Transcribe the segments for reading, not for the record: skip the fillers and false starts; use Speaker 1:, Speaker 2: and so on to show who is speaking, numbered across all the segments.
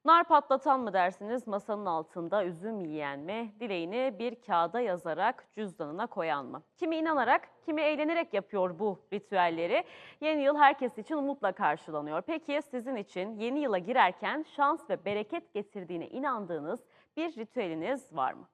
Speaker 1: Nar patlatan mı dersiniz, masanın altında üzüm yiyen mi, dileğini bir kağıda yazarak cüzdanına koyan mı? Kimi inanarak, kimi eğlenerek yapıyor bu ritüelleri. Yeni yıl herkes için umutla karşılanıyor. Peki sizin için yeni yıla girerken şans ve bereket getirdiğine inandığınız bir ritüeliniz var mı?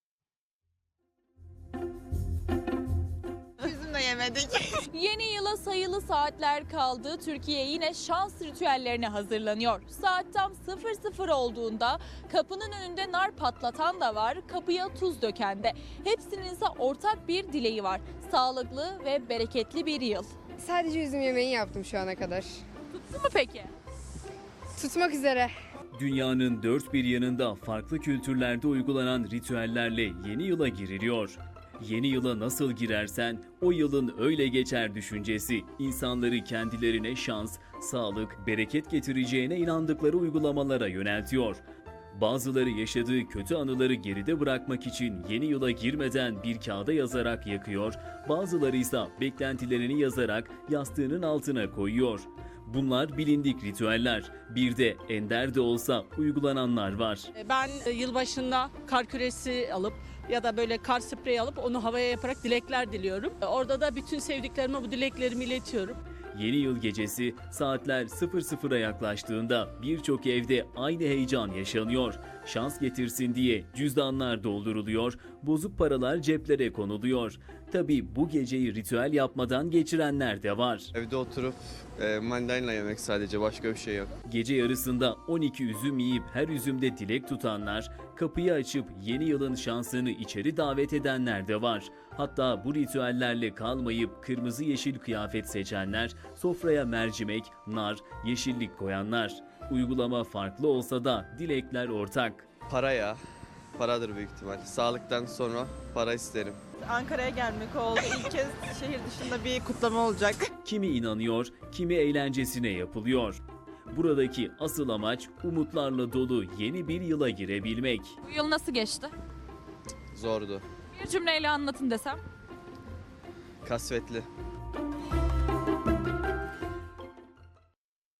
Speaker 2: Üzüm de yemedik.
Speaker 3: Yeni yıla sayılı saatler kaldı. Türkiye yine şans ritüellerine hazırlanıyor. Saat tam 00 olduğunda kapının önünde nar patlatan da var, kapıya tuz döken de. Hepsinin ise ortak bir dileği var. Sağlıklı ve bereketli bir yıl.
Speaker 4: Sadece üzüm yemeği yaptım şu ana kadar.
Speaker 3: Tuttu mu peki?
Speaker 4: Tutmak üzere.
Speaker 5: Dünyanın dört bir yanında farklı kültürlerde uygulanan ritüellerle yeni yıla giriliyor. Yeni yıla nasıl girersen o yılın öyle geçer düşüncesi insanları kendilerine şans, sağlık, bereket getireceğine inandıkları uygulamalara yöneltiyor. Bazıları yaşadığı kötü anıları geride bırakmak için yeni yıla girmeden bir kağıda yazarak yakıyor, bazıları ise beklentilerini yazarak yastığının altına koyuyor. Bunlar bilindik ritüeller. Bir de ender de olsa uygulananlar var.
Speaker 6: Ben yılbaşında kar küresi alıp ya da böyle kar spreyi alıp onu havaya yaparak dilekler diliyorum. Orada da bütün sevdiklerime bu dileklerimi iletiyorum.
Speaker 5: Yeni yıl gecesi saatler 00'a yaklaştığında birçok evde aynı heyecan yaşanıyor. Şans getirsin diye cüzdanlar dolduruluyor, bozuk paralar ceplere konuluyor. Tabii bu geceyi ritüel yapmadan geçirenler de var.
Speaker 7: Evde oturup mandalina yemek, sadece başka bir şey yok.
Speaker 5: Gece yarısında 12 üzüm yiyip her üzümde dilek tutanlar, kapıyı açıp yeni yılın şansını içeri davet edenler de var. Hatta bu ritüellerle kalmayıp kırmızı yeşil kıyafet seçenler, sofraya mercimek, nar, yeşillik koyanlar. Uygulama farklı olsa da dilekler ortak.
Speaker 7: Para ya. Paradır büyük ihtimal. Sağlıktan sonra para isterim.
Speaker 2: Ankara'ya gelmek oldu. İlk kez şehir dışında bir kutlama olacak.
Speaker 5: Kimi inanıyor, kimi eğlencesine yapılıyor. Buradaki asıl amaç umutlarla dolu yeni bir yıla girebilmek.
Speaker 3: Bu yıl nasıl geçti?
Speaker 7: Zordu.
Speaker 3: Bir cümleyle anlatın desem.
Speaker 7: Kasvetli.